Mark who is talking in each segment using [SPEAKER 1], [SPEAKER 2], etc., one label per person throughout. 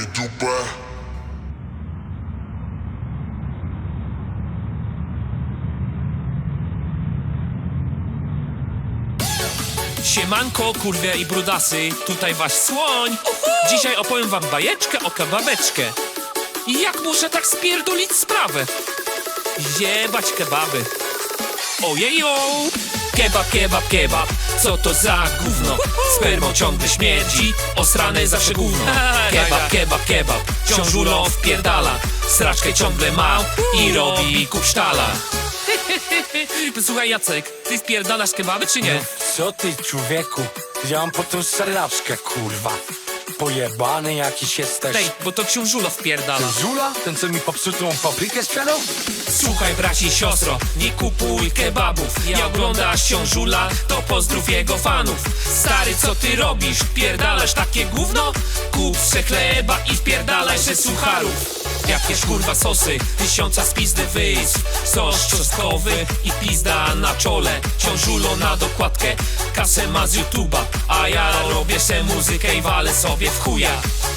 [SPEAKER 1] dupę.
[SPEAKER 2] Siemanko, kurwie i brudasy, tutaj wasz słoń. Dzisiaj opowiem wam bajeczkę o kebabeczkę. I jak muszę tak spierdolić sprawę? Jebać kebaby. Ojejo! Kebab, kebab, kebab, co to za gówno? Spermą ciągle śmierdzi, osrane zawsze gówno. Kebab, kebab, kebab, ciążulą wpierdala. Sraczkę ciągle ma i robi kupsztala. Słuchaj Jacek, ty wpierdalasz kebaby czy nie?
[SPEAKER 3] Co ty, człowieku? Ja mam po tą saraczkę, kurwa. Pojebany jakiś jesteś.
[SPEAKER 2] Tej, bo to książulo wpierdala.
[SPEAKER 3] Zula? Ten, co mi popsutą paprykę sprzedał?
[SPEAKER 2] Słuchaj braci i siostro, nie kupuj kebabów. Jak oglądasz książula, to pozdrów jego fanów. Stary, co ty robisz? Wpierdalasz takie gówno? Kup se chleba i wpierdalaj se sucharów. Jakieś kurwa sosy, tysiąca z pizdy wyjść. Sos czosnkowy i pizda na czole. Książulo na dokładkę, kasę ma z YouTube'a. A ja robię se muzykę i walę sobie w chuja.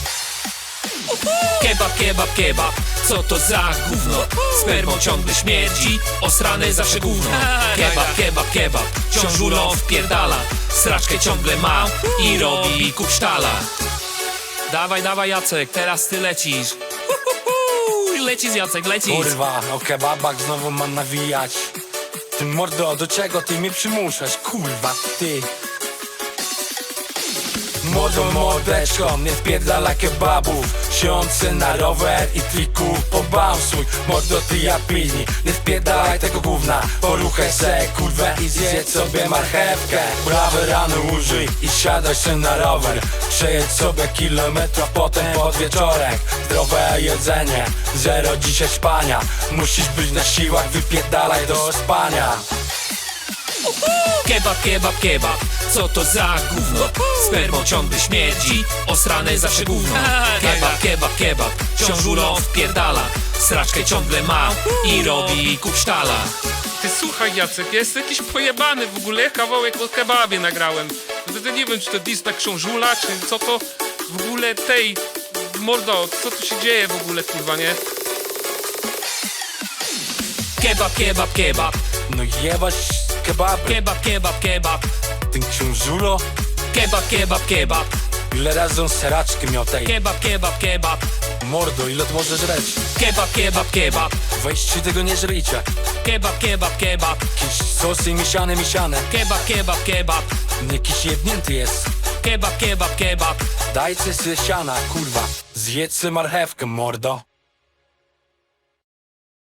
[SPEAKER 2] Kebab, kebab, kebab, co to za gówno? Spermą ciągle śmierdzi, osrane zawsze gówno. Kebab, kebab, kebab, ciążulą wpierdala. Sraczkę ciągle ma i robi kupsztala. Dawaj, dawaj Jacek, teraz ty lecisz. Lecisz Jacek, lecisz.
[SPEAKER 3] Kurwa, o kebabach znowu mam nawijać. Ty mordo, do czego ty mnie przymuszasz? Kurwa, ty. Młodą mordeczką, nie wpierdala kebabów. Siądź na rower i triku pobałsuj. Mordo, ty ja pilni, nie wpierdalaj tego gówna. Poruchaj se kurwę i zjedz sobie marchewkę. Prawe rano użyj i siadaj się na rower. Przejedź sobie kilometra, potem pod wieczorek. Zdrowe jedzenie, zero dzisiaj spania. Musisz być na siłach, wypierdalaj do spania.
[SPEAKER 2] Kebab, kebab, kebab, co to za gówno? Spermą ciągle śmierdzi, osrane zawsze gówno. Kebab, kebab, kebab, ciążulą wpierdala. Sraczkę ciągle ma i robi kupsztala.
[SPEAKER 4] Ty słuchaj Jacek, ja jestem jakiś pojebany w ogóle, kawałek o kebabie nagrałem. To nie wiem, czy to dis na książula, czy co to w ogóle tej... Mordo, co tu się dzieje w ogóle, kurwa, nie?
[SPEAKER 2] Kebab, kebab, kebab,
[SPEAKER 3] No jebać kebaby.
[SPEAKER 2] kebab, kebab, kebab,
[SPEAKER 3] Ten książulo,
[SPEAKER 2] kebab, kebab, kebab,
[SPEAKER 3] ile razy on seraczkę miał tej.
[SPEAKER 2] kebab, kebab, kebab,
[SPEAKER 3] Mordo, ile to możesz żreć?
[SPEAKER 2] kebab, kebab, kebab,
[SPEAKER 3] Weźcie tego nie żryjcie.
[SPEAKER 2] kebab, kebab, kebab,
[SPEAKER 3] Jakieś sosy mieszane,
[SPEAKER 2] kebab, kebab, kebab,
[SPEAKER 3] Jakiś jebnięty jest.
[SPEAKER 2] kebab, kebab, kebab.
[SPEAKER 3] Dajcie sobie siana, kurwa. Zjedz sobie marchewkę, mordo.